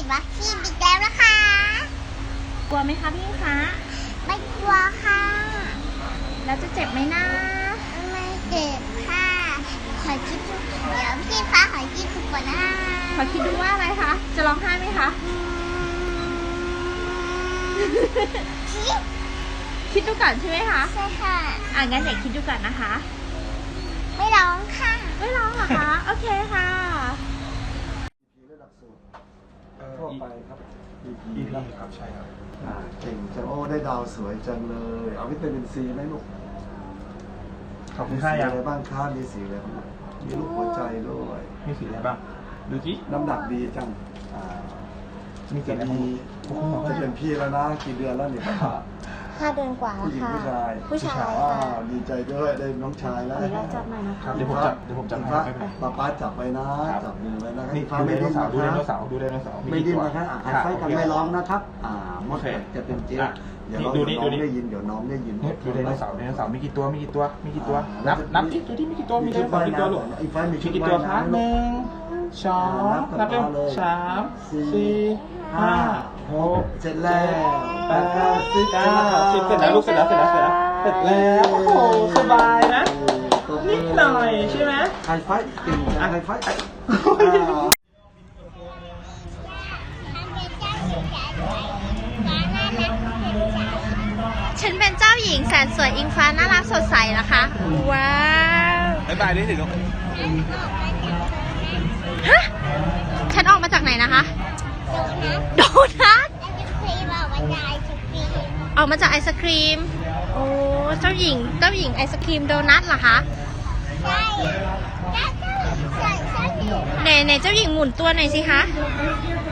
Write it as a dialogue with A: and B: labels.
A: วัคซีนอีกแล้วนะคะ
B: กลัวไหมคะพี่คะ
A: ไม่กลัวค่ะ
B: แล้วจะเจ็บไหมนะ
A: ไม่เจ็บค่ะขอคิดดูเดี๋ยวพี่ฟ้าขอคิดดูก่อนนะ
B: ขอคิดดูว่าอะไรคะ จะร้องไห้ไหมคะ
A: คิด
B: คิดดูก่อนใช่ไหมคะ
A: ใช่ค่ะ
B: งั้นเดี๋ยวคิดดูก่อนนะคะ
A: ไม่ร้องค่ะ
B: ไม่ร้องเหรอคะ โอเคค่ะ
C: ระดับสูตรทั่วไปครับ
D: EP ครับใช่ครับ
C: เก่งจังโอ้ได้ดาวสวยจังเลย เอาวิตามินซีไหมลูก
D: ขอบคุ
C: มี
D: ณ
C: สี
D: ค่ายัง
C: อะไรบ้างครับมีสีอะไรบ้างมีลูกหัวใจด้วย
D: มีสีอะไรบ้างดูจิ
C: น้ำหนักดีจัง
D: มีสี
C: จะ
D: อะไรบ้าง
C: มีจะเป็นพี่แล้วนะกี่เดือนแล้วเนี่ยป้า
A: 5 เดือนกว่า
C: ผู้หญิงผู้ชาย
A: ผู้ชาย
C: ว้า
A: ค่ะ
C: วดีใจด้วยได้น้องชายแล้ว
A: ขออนุญาตจับหน่อยนะคะ
D: ครับเดี๋ยวผมจับให้ไม่เป็นไร
C: ป้าจับไปนะจับมือไว้นะ
D: นี่
C: ฟ้า
D: ดูได
C: ไม่
D: โน
C: ดิ้น
D: เสาร์ดูได
C: นะ
D: โน
C: ครับ
D: เสาร์ดูไดโนเสาร์
C: ไม่ดิ้น
D: กี่ตัว
C: นะครับหายไฟกันไม่ร้องนะครับมดจะเป็นเจ๊เดี๋ยวน้องได้ยินเดี๋ยวน้องได้ยิน
D: เนี่ยดูไดโนเสาร์มีกี่ตัวนับดิดูดิมีกี่ตัวมีไดโนเสาร์กี่ตัวลูก
C: ไอ้ไฟมี
D: มีกี่ตัวครับ1 2นับเร็ว3 4 5 6
C: เสร็จแล้ว
D: 8 9 10เสร็จแล้วลูกเสร็จแล้วโอ้โหสบายนะนิดหน่อยใช่ไหม
C: ไฮไฟเก่งจังไฮไฟ
B: ฉันเป็นเจ้าหญิงแสนสวยอิงฟ้าน่ารักสดใสนะคะ ว้าว
D: บ๊ายบายดิสิลูก
B: ฮะ ฉันออกมาจากไหนนะคะ โดนัท ออกมาจากไอศครีม โอ้ เจ้าหญิงไอศครีมโดนัทเหรอคะไหนเจ้าหญิงหมุนตัวหน่อยสิคะ